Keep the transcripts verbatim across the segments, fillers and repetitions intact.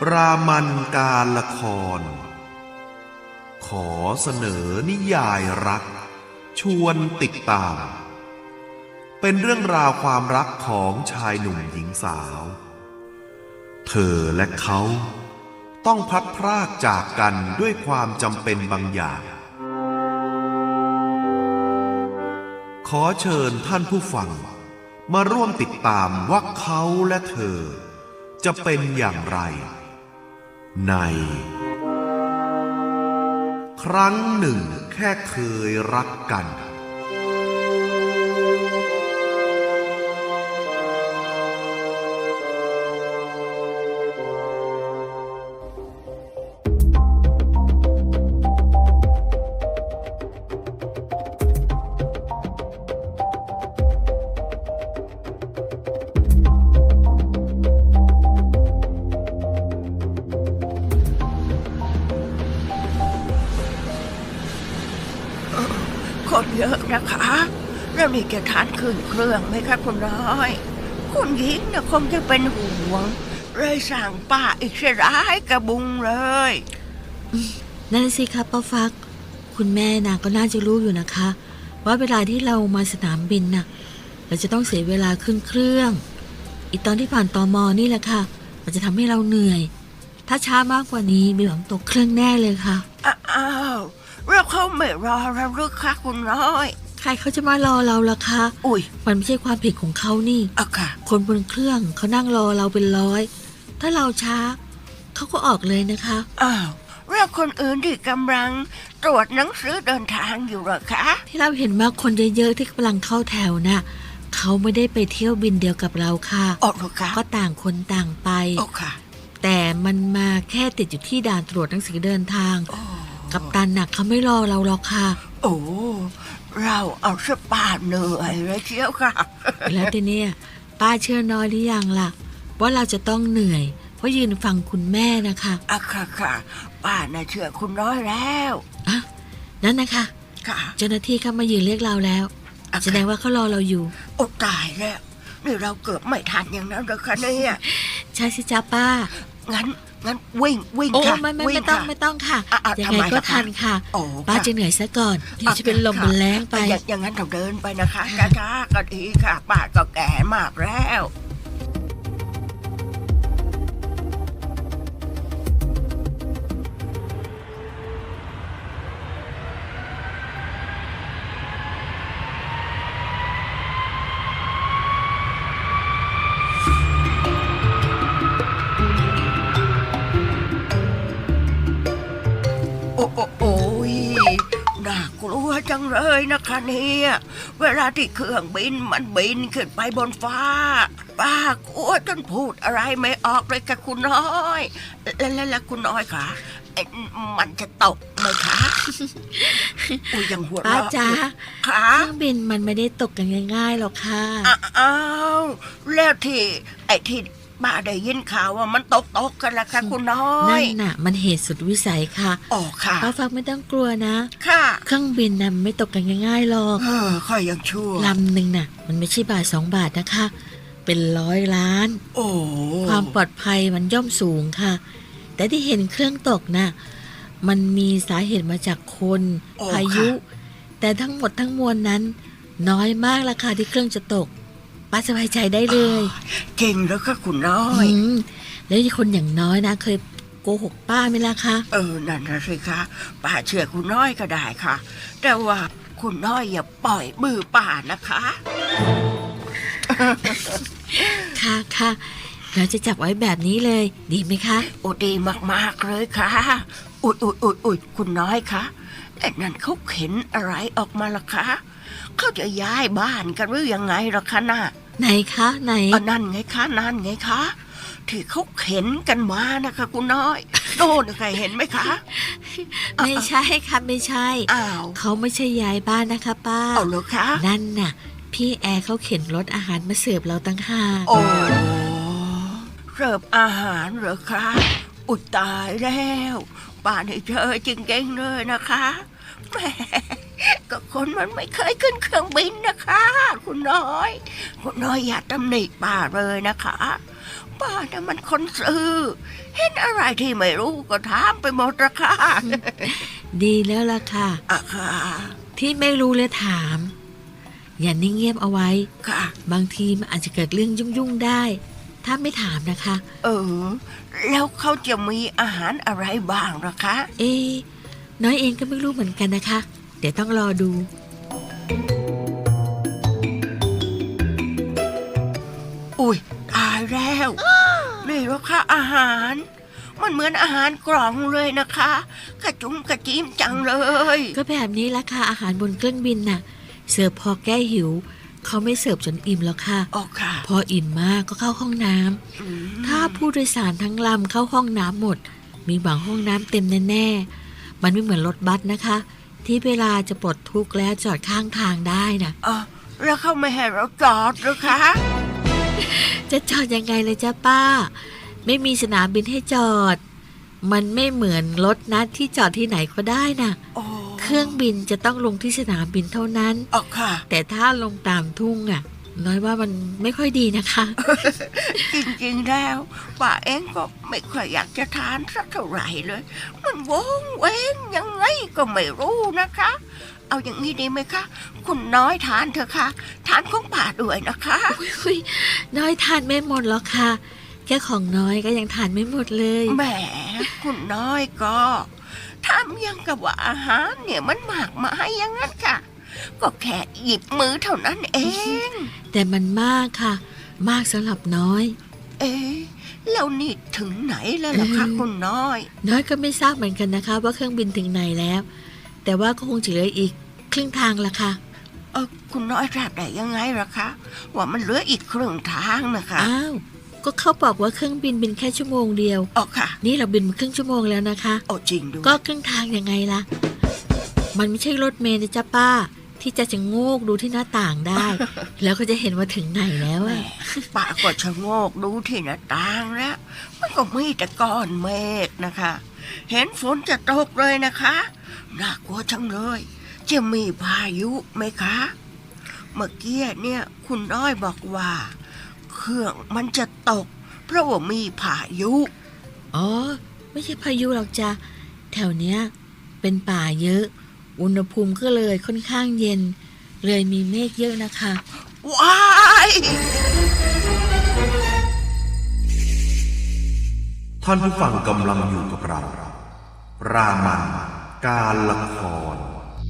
รามันการละครขอเสนอนิยายรักชวนติดตามเป็นเรื่องราวความรักของชายหนุ่มหญิงสาวเธอและเขาต้องพลัดพรากจากกันด้วยความจำเป็นบางอย่างขอเชิญท่านผู้ฟังมาร่วมติดตามว่าเขาและเธอจะเป็นอย่างไรในครั้งหนึ่งแค่เคยรักกันคนเยอะนะคะแล้วนี่จะทานขึ้นเครื่องไหมคะคุณน้อยคุณหญิงเนี่ยคงจะเป็นห่วงเลยสั่งป้าอีกเสียร้ายกระบุงเลยนั่นสิครับป้าฟักคุณแม่นะก็น่าจะรู้อยู่นะคะว่าเวลาที่เรามาสนามบินน่ะเราจะต้องเสียเวลาขึ้นเครื่องอีกตอนที่ผ่านตม.นี่แหละค่ะมันจะทำให้เราเหนื่อยถ้าช้ามากกว่านี้มีหวังตกเครื่องแน่เลยค่ะอ้าวแล้วเขาไม่รอเราหรือคะคุณน้อยใครเขาจะมารอเราล่ะคะอุ้ยมันไม่ใช่ความผิดของเขานี่อะค่ะคนบนเครื่องเขานั่งรอเราเป็นร้อยถ้าเราช้าเขาก็ออกเลยนะคะอ้าวแล้วคนอื่นที่กำลังตรวจหนังสือเดินทางอยู่หรอคะที่เราเห็นว่าคนเยอะๆที่กำลังเข้าแถวน่ะเขาไม่ได้ไปเที่ยวบินเดียวกับเราค่ะอ๋อเหรอคะก็ต่างคนต่างไปอ๋อค่ะแต่มันมาแค่ติดอยู่ที่ด่านตรวจหนังสือเดินทางกัปตันหนักเขาไม่รอเราหรอกค่ะโอ้เราเอาสปาเหนื่อยเลยเชียวค่ะแล้วทีเนี้ยป้าเชื่อน้อยหรือยังล่ะว่าเราจะต้องเหนื่อยเพราะยืนฟังคุณแม่นะคะอ่ะค่ะค่ะป้าน่ะเชื่อคุณน้อยแล้วอ่ะนั่นนะคะค่ะเจ้าหน้าที่เขามายืนเรียกเราแล้วแสดงว่าเขารอเราอยู่โอ้ตายแล้วนี่เราเกือบไม่ทันอย่างนั้นเลยค่ะเนี่ยใช่สิจ้าป้างั้นงั้นวิ่งวิ่งค่ะโอ้ไม่ไม่ไม่ต้องไม่ต้องค่ะยังไงก็ทันค่ะป้าจะเหนื่อยซะก่อนเดี๋ยวจะเป็นลมเป็นแรงไปอย่างนั้นเราเดินไปนะคะช้าๆก็ดีค่ะป้าก็แก่มากแล้วโอ้โอ้โอ้ยน่ากลัวจังเลยนะคะเนี่ยเวลาที่เครื่องบินมันบินขึ้นไปบนฟ้าป้ากลัวจนพูดอะไรไม่ออกเลยค่ะคุณน้อยแล้วแล้วคุณน้อยค่ะมันจะตกไหมคะอุ้ยยังหัวเราะป้าจ๋าค่ะเครื่องบินมันไม่ได้ตกกันง่ายๆหรอกค่ะอ้าวแล้วที่ไอ้ที่ป้าได้ยินข่าวว่ามันตกตกกันละค่ะคุณน้อยนั่นน่ะมันเหตุสุดวิสัยค่ะอ๋อค่ะป้าฟังไม่ต้องกลัวนะค่ะเครื่องบินน่ะไม่ตกกันง่ายๆหรอกเออค่อยยังชั่วลำหนึ่งน่ะมันไม่ใช่บาทสองบาทนะคะเป็นร้อยล้านโอ้ความปลอดภัยมันย่อมสูงค่ะแต่ที่เห็นเครื่องตกน่ะมันมีสาเหตุมาจากคนพายุแต่ทั้งหมดทั้งมวลนั้นน้อยมากราคาที่เครื่องจะตกป้าสบายใจได้เลยเก่งแล้วค่ะคุณน้อยแล้วที่คนอย่างน้อยนะเคยโกหกป้าไหมล่ะคะเออนั่นนะสิคะป้าเชื่อคุณน้อยก็ได้ค่ะแต่ว่าคุณน้อยอย่าปล่อยมือป้านะคะค่ะค่ะเราจะจับไว้แบบนี้เลยดีไหมคะโอ้ดีมากๆเลยค่ะอุดอุดอุดอุดคุณน้อยคะไอ้นั่นเขาเข็นอะไรออกมาล่ะคะเขาจะย้ายบ้านกันหรือยังไงล่ะคะน่ะไหนคะไหนอ๋อนั่นไงคะนั่นไงคะที่เขาเข็นกันมานะคะคุณน้อยโน่นใครเห็นไหมคะไม่ใช่ค่ะไม่ใช่อ้าวเขาไม่ใช่ย้ายบ้านนะคะป้าเอาเหรอคะนั่นน่ะพี่แอร์เขาเข็นรถอาหารมาเสิร์ฟเราตั้งห้าโอ้เสิร์ฟอาหารเหรอคะอุยตายแล้วป้านี่เจอจริงๆเลยนะคะแหมก็คนมันไม่เคยขึ้นเครื่องบินนะคะ คุณน้อย คุณน้อยอย่าตำหนิป้าเลยนะคะป้าน่ะมันคนซื่อเห็นอะไรที่ไม่รู้ก็ถามไปหมดละค่ะดีแล้วล่ะค่ะอ่ะค่ะที่ไม่รู้และถาม อย่านิ่งเงียบเอาไว้ค่ะบางทีมันอาจจะเกิดเรื่องยุ่งๆได้ ถ้าไม่ถามนะคะเออ แล้วเขาจะมีอาหารอะไรบ้างล่ะคะเอ๊ะน้อยเองก็ไม่รู้เหมือนกันนะคะ เดี๋ยวต้องรอดูอุ้ยตายแล้วนี่เหรอคะอาหาร มันเหมือนอาหารกล่องเลยนะคะกระจุ้มกระจิ้มจังเลยก็แบบนี้ละค่ะอาหารบนเครื่องบินน่ะ เสิร์ฟพอแก้หิว เขาไม่เสิร์ฟจนอิ่มแล้วค่ะอ๋อค่ะพออิ่มมากก็เข้าห้องน้ำอืมถ้าผู้โดยสารทั้งลำเข้าห้องน้ำหมด มีบางห้องน้ำเต็มแน่ๆ มันไม่เหมือนรถบัสนะคะ ที่เวลาจะปลดทุกข์แล้วจอดข้างทางได้นะอ๋อแล้วเขาไม่ให้เราจอดหรือคะจะจอดยังไงเลยจ้าป้า ไม่มีสนามบินให้จอด มันไม่เหมือนรถนะที่จอดที่ไหนก็ได้นะโอ้เครื่องบินจะต้องลงที่สนามบินเท่านั้นอ๋อค่ะแต่ถ้าลงตามทุ่งอ่ะ น้อยว่ามันไม่ค่อยดีนะคะจริงๆแล้วป้าเองก็ไม่ค่อยอยากจะทานสักเท่าไหร่เลย มันวงเวงยังไงก็ไม่รู้นะคะ เอาอย่างนี้ดีไหมคะ คุณน้อยทานเถอะค่ะ ทานของป้าด้วยนะคะอุ๊ยน้อยทานไม่หมดหรอกค่ะ แค่ของน้อยก็ยังทานไม่หมดเลยแหมคุณน้อยก็ทำยังกับว่าอาหารเนี่ยมันมากมายอย่างนั้นค่ะ ก็แค่หยิบมือเท่านั้นเองแต่มันมากค่ะ มากสำหรับน้อยเอ๊ะแล้วนี่ถึงไหนแล้วล่ะคะอืมคุณน้อยน้อยก็ไม่ทราบเหมือนกันนะคะ ว่าเครื่องบินถึงไหนแล้ว แต่ว่าก็คงจะเหลืออีกครึ่งทางละค่ะเออคุณน้อยทราบได้ยังไงล่ะคะ ว่ามันเหลืออีกครึ่งทางนะคะอ้าว ก็เขาบอกว่าเครื่องบินบินแค่ชั่วโมงเดียวอ๋อค่ะนี่เราบินมาครึ่งชั่วโมงแล้วนะคะโอ้จริงด้วยก็ครึ่งทางยังไงล่ะ มันไม่ใช่รถเมล์นะจ๊ะป้า ที่จะชะโงกดูที่หน้าต่างได้ แล้วก็จะเห็นว่าถึงไหนแล้วแหมอะป้าก็ชะโงกดูที่หน้าต่างแล้ว มันก็มีแต่ก้อนเมฆนะคะ เห็นฝนจะตกเลยนะคะน่ากลัวจังเลย จะมีพายุไหมคะ เมื่อกี้เนี่ยคุณน้อยบอกว่า เครื่องมันจะตก เพราะว่ามีพายุอ๋อ ไม่ใช่พายุหรอกจ้ะ แถวเนี้ย เป็นป่าเยอะ อุณหภูมิก็เลยค่อนข้างเย็น เลยมีเมฆเยอะนะคะว้ายท่านผู้ฟังกำลังอยู่กับเรา รามันการละคร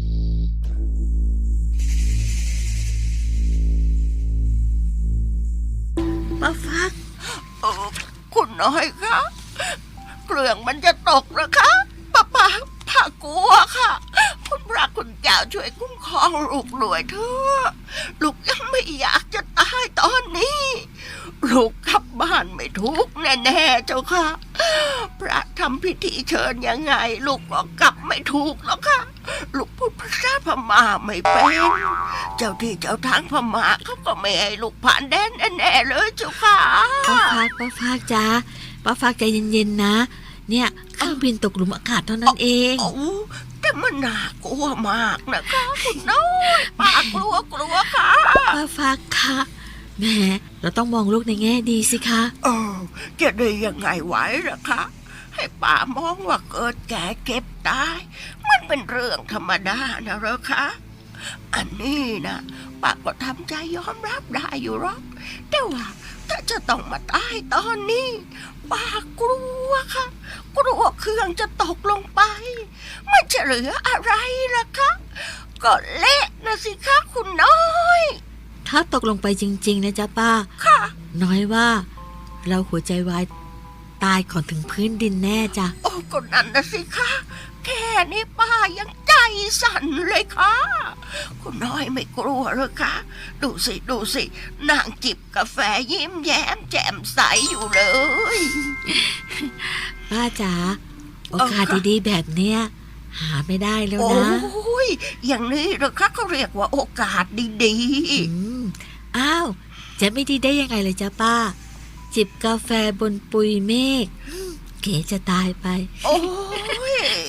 ป้าฟักเออคุณน้อยคะเครื่องมันจะตกนะคะป้าป้าป้ากลัวค่ะ คุณพระคุณเจ้าช่วยคุ้มครองลูกหน่วยเถอะลูกยังไม่อยากจะตายตอนนี้ ลูกกลับบ้านไม่ถูกแน่ๆเจ้าค่ะ พระทำพิธีเชิญยังไง ลูกก็กลับไม่ถูกหรอกค่ะ ลูกพูดภาษาพม่าไม่เป็นเจ้าที่เจ้าทางพม่าเขาก็ไม่ให้ลูกผ่านแดนแน่ๆเลยเจ้าค่ะป้าฟักป้าฟักจ้าป้าฟักใจเย็นๆนะ เนี่ยเครื่องบินตกหลุมอากาศเท่านั้นเองโอ้แต่มันน่ากลัวมากนะคะคุณน้อยป้ากลัวกลัวค่ะป้าฟักคะแหมเราต้องมองโลกในแง่ดีสิคะเออจะได้ยังไงไหวล่ะคะ ให้ป้ามองว่าเกิดแก่เก็บตาย มันเป็นเรื่องธรรมดานะเหรอคะ อันนี้นะป้าก็ทำใจยอมรับได้อยู่หรอกแต่ว่าถ้าจะต้องมาตายตอนนี้ป้ากลัวค่ะ กลัวเครื่องจะตกลงไป ไม่จะเหลืออะไรล่ะคะ ก็เละนะสิคะคุณน้อยถ้าตกลงไปจริงๆนะจ๊ะป้าค่ะน้อยว่า เราหัวใจวายตายก่อนถึงพื้นดินแน่จ้ะโอ้ก็นั่นนะสิคะแค่นี้ป้ายังใจสั่นเลยค่ะ คุณน้อยไม่กลัวเหรอคะ ดูสิดูสินางจิบกาแฟยิ้มแย้มแจ่มใสอยู่เลยป้าจ๋าโอกาสเออค่ะดีๆแบบเนี้ยหาไม่ได้แล้วโอ้นะยอย่างนี้เหรอคะเขาเรียกว่าโอกาสดีอืมอ้าวจะไม่ดีได้ยังไงเลยจ้ะป้า จิบกาแฟบนปุยเมฆอืมเก๋จะตายไปๆ โอ้ย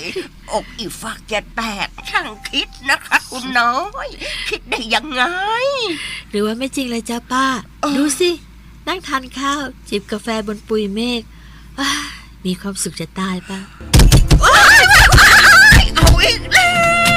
อกอีฟักจะแตกช่างคิดนะคะคุณน้อย คิดได้ยังไงหรือว่าไม่จริงเลยจ้าป้าเออดูสิ นั่งทานข้าว จิบกาแฟบนปุยเมฆอ้ามีความสุขจะตายป้าเอาอีกแล้ว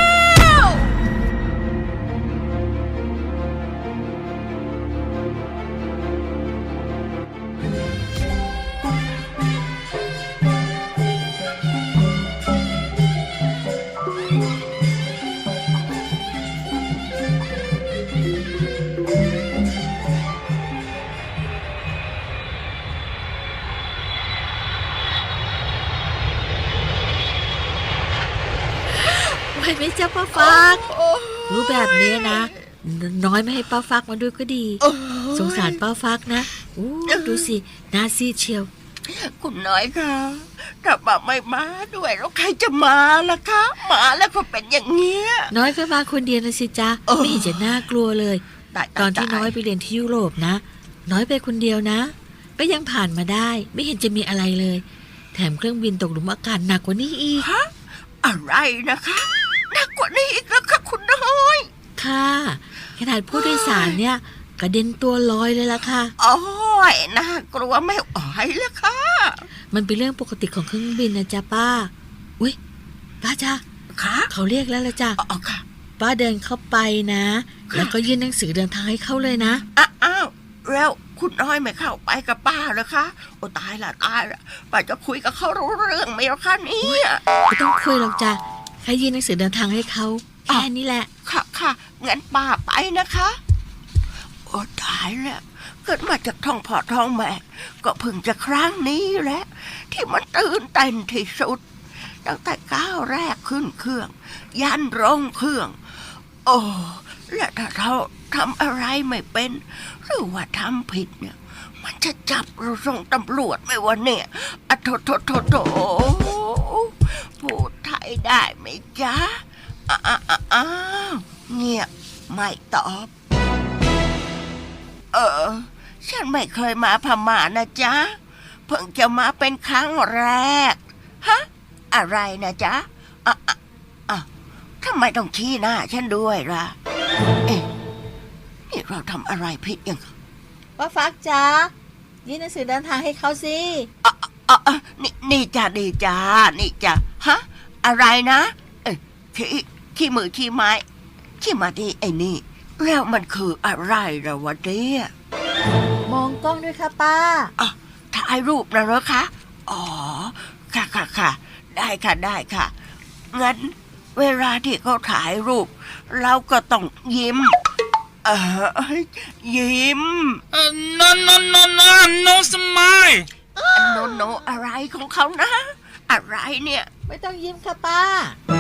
ไหวไหมจ้าป้าฟัก รู้แบบนี้นะ น้อยไม่ให้ป้าฟักมาด้วยก็ดีโอ้ยสงสารป้าฟักนะอู้ดูสิหน้าซีดเชียวคุณน้อยค่ะถ้าป้าไม่มาด้วยแล้วใครจะมาล่ะคะมาแล้วก็เป็นอย่างเงี้ยน้อยก็มาคนเดียวนะสิจ้าเออไม่เห็นจะน่ากลัวเลยตายตอนที่ายน้อยไปเรียนที่ยุโรปนะ น้อยไปคนเดียวนะ ก็ยังผ่านมาได้ ไม่เห็นจะมีอะไรเลย แถมเครื่องบินตกหลุมอากาศหนักกว่านี้อีกฮะอะไรนะคะหนักกว่านี้อีกแล้วค่ะคุณน้อยค่ะขนาดผู้โดยสารเนี่ยกระเด็นตัวลอยเลยล่ะค่ะโอ้ยน่ากลัวไม่ไหวแล้วค่ะมันเป็นเรื่องปกติของเครื่องบินนะจ๊ะป้า อุ้ยป้าจ้าค่ะเขาเรียกแล้วละจ้ะอ๋อค่ะป้าเดินเข้าไปนะค่ะแล้วก็ยื่นหนังสือเดินทางให้เขาเลยนะอ้าอ้าวแล้วคุณน้อยไม่เข้าไปกับป้าเหรอคะโอ้ตายละตายละป้าจะคุยกับเขารู้เรื่องไหมล่ะคะเนี่ยไม่ต้องคุยหรอกจ้ะแค่ยื่นหนังสือเดินทางให้เขาแค่นี้แหละค่ะค่ะงั้นป้าไปนะคะ โอ้ตายแล้วเกิดมาจากท้องพ่อท้องแม่ ก็เพิ่งจะครั้งนี้แหละ ที่มันตื่นเต้นที่สุด ตั้งแต่ก้าวแรกขึ้นเครื่อง ยันลงเครื่อง โอ้และถ้าเราทำอะไรไม่เป็น หรือว่าทำผิดเนี่ย มันจะจับเราส่งตำรวจไหมวะเนี่ยอะโถโถโถโถพูดไทยได้ไหมจ๊ะอ้าอ้าอ้าวเงียบไม่ตอบ เออ ฉันไม่เคยมาพม่านะจ๊ะ เพิ่งจะมาเป็นครั้งแรก ฮะ อะไรนะจ๊ะอ่ะอ่ะอ่ะทำไมต้องชี้หน้าฉันด้วยล่ะ เอ๊ะ นี่เราทำอะไรผิดยังป้าฟักจ้ายื่นหนังสือเดินทางให้เขาสิอ่ะอ่ะอ่ะนี่นี่จ้ะดีจ้านี่จ้ะฮะ อะไรนะ เอ้ยขี้ขี้มือขี้ไม้ขี้มาดีไอ้นี่ แล้วมันคืออะไรล่ะวะเนี่ยมองกล้องด้วยค่ะป้าอ่ะถ่ายรูปนะเหรอคะ อ๋อ ค่ะค่ะค่ะ ได้ค่ะได้ค่ะ งั้นเวลาที่เขาถ่ายรูป เราก็ต้องยิ้ม เออยิ้ม Uh, no, no, no, no, no smile. โนโนอะไรของเขานะ อะไรเนี่ยไม่ต้องยิ้มค่ะป้า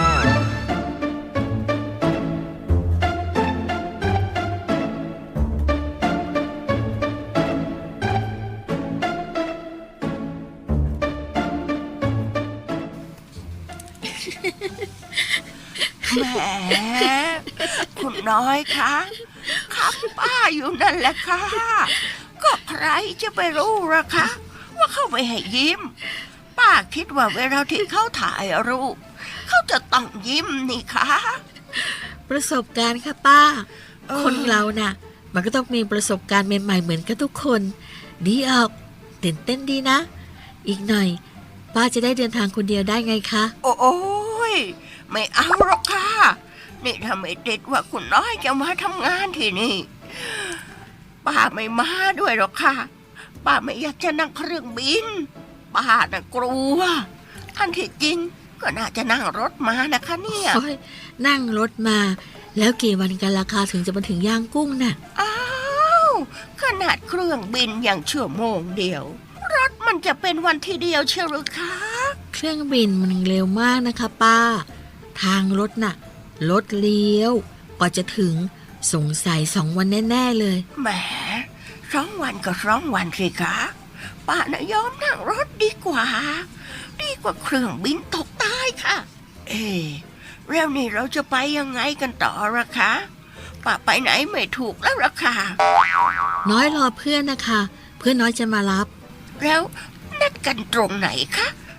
แหม คุณน้อยคะครับป้าอยู่นั่นแหละค่ะ ก็ใครจะไปรู้ล่ะคะ ว่าเขาไม่ให้ยิ้ม ป้าคิดว่าเวลาที่เขาถ่ายรูป เขาจะต้องยิ้มนี่คะประสบการณ์ค่ะป้าเออคนเราน่ะ มันก็ต้องมีประสบการณ์ใหม่ๆเหมือนกันทุกคนดีออกตื่นเต้นดีนะ อีกหน่อย ป้าจะได้เดินทางคนเดียวได้ไงคะโอ้ยไม่เอาหรอกค่ะ นี่ถ้าไม่ติดว่าคุณน้อยจะมาทำงานที่นี่ ป้าไม่มาด้วยหรอกค่ะ ป้าไม่อยากจะนั่งเครื่องบิน ป้าน่ะกลัว อันที่จริงก็น่าจะนั่งรถมานะคะเนี่ยโอ้ยนั่งรถมา แล้วกี่วันกันราคาถึงจะมาถึงย่างกุ้งน่ะอ้าวขนาดเครื่องบินอย่างชั่วโมงเดียว รถมันจะเป็นวันที่เดียวเชียวหรือคะเครื่องบินมันเร็วมากนะคะป้า ทางรถน่ะรถเลี้ยว กว่าจะถึงสงสัยสองวันแน่ๆเลยแหมสองวันก็สองวันสิคะป้าน่ะยอมนั่งรถดีกว่า ดีกว่าเครื่องบินตกใต้ค่ะ เอ๊ะแล้วนี่เราจะไปยังไงกันต่อละคะป้าไปไหนไม่ถูกแล้วละค่ะน้อยรอเพื่อนนะคะ เพื่อนน้อยจะมารับแล้วนัดกันตรงไหนคะ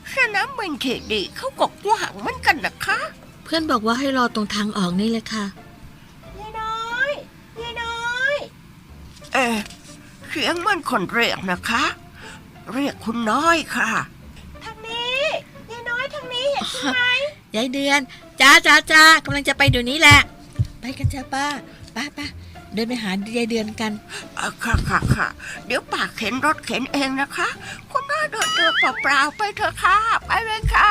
สนามบินเขตดีเขาก็กว้างเหมือนกันนะคะเพื่อนบอกว่าให้รอตรงทางออกนี่เลยค่ะยายน้อยยายน้อยเอ๊ะเสียงมันคนเรียกนะคะ เรียกคุณน้อยค่ะทางนี้ยายน้อยทางนี้เห็นไหมยายเดือนจ้าจ้าจ้ากำลังจะไปเดี๋ยวนี้แหละ ไปกันจ้าป้าป้าป้าเดินไปหายายเดือนกันอ่ะค่ะค่ะค่ะเดี๋ยวป้าเข็นรถเข็นเองนะคะคุณน้าเดินเดินเปล่าๆไปเถอะค่ะไปเลยค่ะ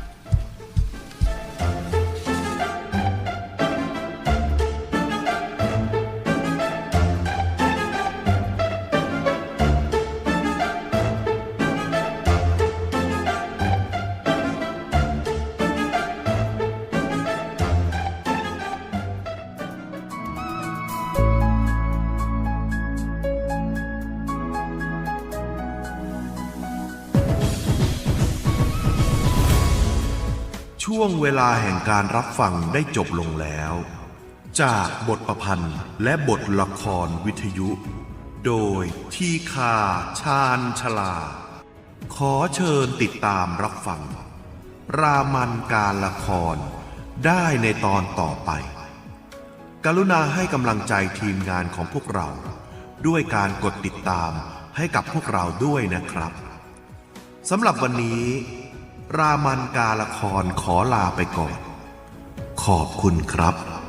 ช่วงเวลาแห่งการรับฟังได้จบลงแล้ว จากบทประพันธ์และบทละครวิทยุ โดยทีคาชาญชลา ขอเชิญติดตามรับฟัง รามันการละครได้ในตอนต่อไป กรุณาให้กำลังใจทีมงานของพวกเรา ด้วยการกดติดตามให้กับพวกเราด้วยนะครับสำหรับวันนี้ รามันการละครขอลาไปก่อน ขอบคุณครับ